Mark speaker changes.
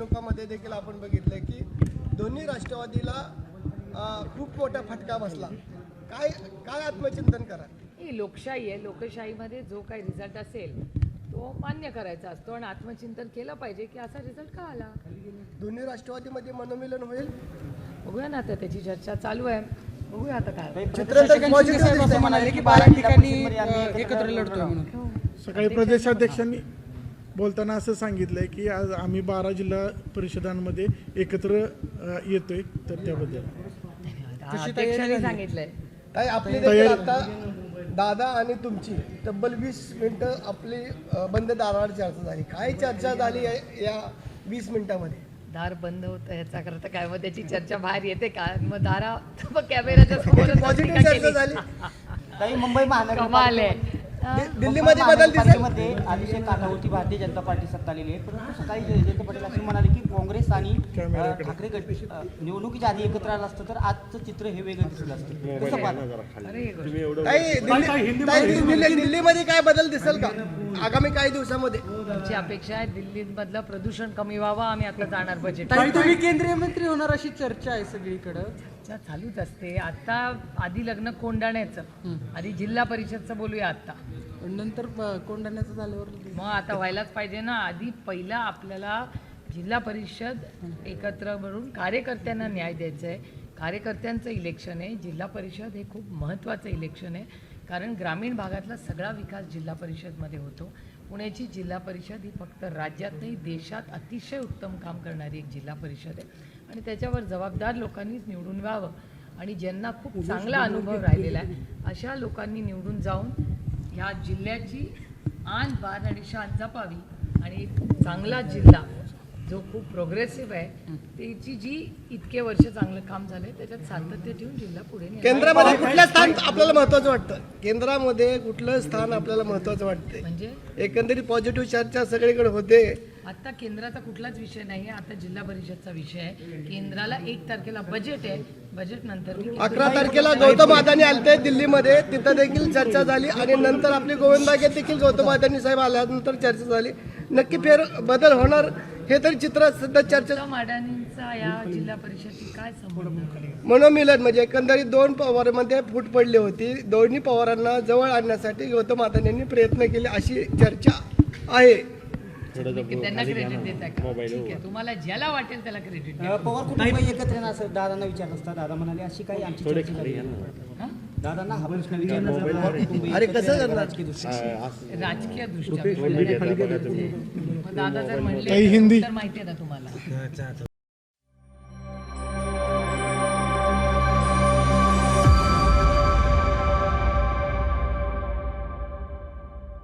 Speaker 1: निवडणुकामध्ये देखील आपण बघितलं की दोन्ही राष्ट्रवादीला खूप मोठा फटका बसला. काय काय आत्मचिंतन करा?
Speaker 2: ही लोकशाही आहे. लोकशाहीमध्ये जो काही रिझल्ट असेल तो मान्य करायचा असतो आणि आत्मचिंतन केलं पाहिजे की असा रिझल्ट का आला.
Speaker 1: दोन्ही राष्ट्रवादीमध्ये मनोमिलन होईल,
Speaker 2: बघूया ना, आता त्याची चर्चा चालू आहे. बघूया आता काय
Speaker 1: चित्र पॉझिटिव्ह
Speaker 3: म्हणाले की 12 ठिकाणी एकत्र लढतोय म्हणून.
Speaker 4: सकाळी प्रदेशाध्यक्षांनी बोलताना असं सांगितलंय की आज आम्ही 12 जिल्हा परिषदांमध्ये एकत्र येतोय, तर त्याबद्दल
Speaker 2: अध्यक्षांनी सांगितलंय.
Speaker 1: काय आपली देखील आता दादा आणि तुमची तब्बल 20 मिनिटं आपली बंद दारावर चर्चा झाली. काय चर्चा झाली या 20 मिनिटांमध्ये?
Speaker 2: दार बंद होतं ह्याचा करता काय, मग त्याची चर्चा बाहेर येते का? मग दारा मग कॅमेऱ्याच्या समोर
Speaker 1: पॉझिटिव्ह चर्चा झाली.
Speaker 5: काही मुंबई
Speaker 2: कमाल आहे.
Speaker 1: दिल्लीमध्ये बदल दिसेल.
Speaker 5: मध्ये अतिशय काठावरती भारतीय जनता पार्टी सत्ता आलेली आहे, परंतु सकाळी जयंत पाटील असे म्हणाले की काँग्रेस आणि ठाकरे गट निवडणुकीच्या आधी एकत्र आलं असतं तर आजचं चित्र हे वेगळं दिसलं असतं. कसं पाहता?
Speaker 1: दिल्लीमध्ये काय बदल दिसेल का आगामी काही दिवसामध्ये?
Speaker 2: आमची अपेक्षा आहे दिल्लीमधलं प्रदूषण कमी व्हावं. आम्ही आता जाणार बजेट.
Speaker 3: तुम्ही केंद्रीय मंत्री होणार अशी चर्चा आहे सगळीकडे.
Speaker 2: चर्चा चालूच असते. आता आधी लग्न कोंडाण्याचं, आधी जिल्हा परिषदचं बोलूया. आता
Speaker 3: नंतर कोंढाण्याचं झाल्यावर
Speaker 2: मग आता व्हायलाच पाहिजे ना. आधी पहिला आपल्याला जिल्हा परिषद एकत्र मिळून कार्यकर्त्यांना न्याय द्यायचा आहे. कार्यकर्त्यांचं इलेक्शन आहे. जिल्हा परिषद हे खूप महत्त्वाचं इलेक्शन आहे, कारण ग्रामीण भागातला सगळा विकास जिल्हा परिषदमध्ये होतो. पुण्याची जिल्हा परिषद ही फक्त राज्यात नाही देशात अतिशय उत्तम काम करणारी एक जिल्हा परिषद आहे आणि त्याच्यावर जबाबदार लोकांनीच निवडून व्हावं आणि ज्यांना खूप चांगला अनुभव राहिलेला आहे अशा लोकांनी निवडून जाऊन ह्या जिल्ह्याची आन बान आणि शान जपावी आणि एक चांगला जिल्हा जो खूप प्रोग्रेसिव्ह आहे त्याची जी इतके वर्ष चांगलं काम झालंय त्याच्यात सातत्य ठेवून जिल्हा पुढे नेला.
Speaker 1: केंद्रामध्ये कुठलं स्थान आपल्याला महत्वाचं वाटतं? केंद्रामध्ये कुठलं स्थान आपल्याला महत्वाचं वाटतंय?
Speaker 2: म्हणजे
Speaker 1: एकंदरीत पॉझिटिव्ह चर्चा सगळीकडे होते.
Speaker 2: आता केंद्राचा कुठलाच विषय नाही आहे. आता जिल्हा परिषदचा विषय आहे. केंद्राला 1 तारखेला बजेट आहे. बजेट नंतर
Speaker 1: 11 तारखेला गौतम अदानी आलते दिल्लीमध्ये, तिथं देखील चर्चा झाली आणि नंतर आपले गोविंद बागेत देखील गौतम अदानी साहेब आल्यानंतर चर्चा झाली. नक्की फेर बदल होणार हे तरी चित्र सध्या चर्चा.
Speaker 2: गौतम अडाणींचा या जिल्हा परिषदची काय संबंध?
Speaker 1: मनोमिलन म्हणजे एकंदरीत 2 पवारांमध्ये फूट पडली होती. दोन्ही पवारांना जवळ आणण्यासाठी गौतम अदानी यांनी प्रयत्न केले अशी चर्चा आहे.
Speaker 2: त्यांना क्रेडिट देता का? ठीक आहे, तुम्हाला ज्याला वाटेल त्याला क्रेडिट द्या.
Speaker 5: पवार कुटुंब एकत्र येणार असं दादांना विचारलं असता. दादा म्हणाले अशी काही आमची चर्चा झाली. दादांना हा प्रश्न विचारला.
Speaker 1: अरे कसं करणार?
Speaker 2: राजकीय दृष्ट्या मग दादा जर म्हणले
Speaker 4: हिंदी
Speaker 2: तर माहिती आहे ना तुम्हाला.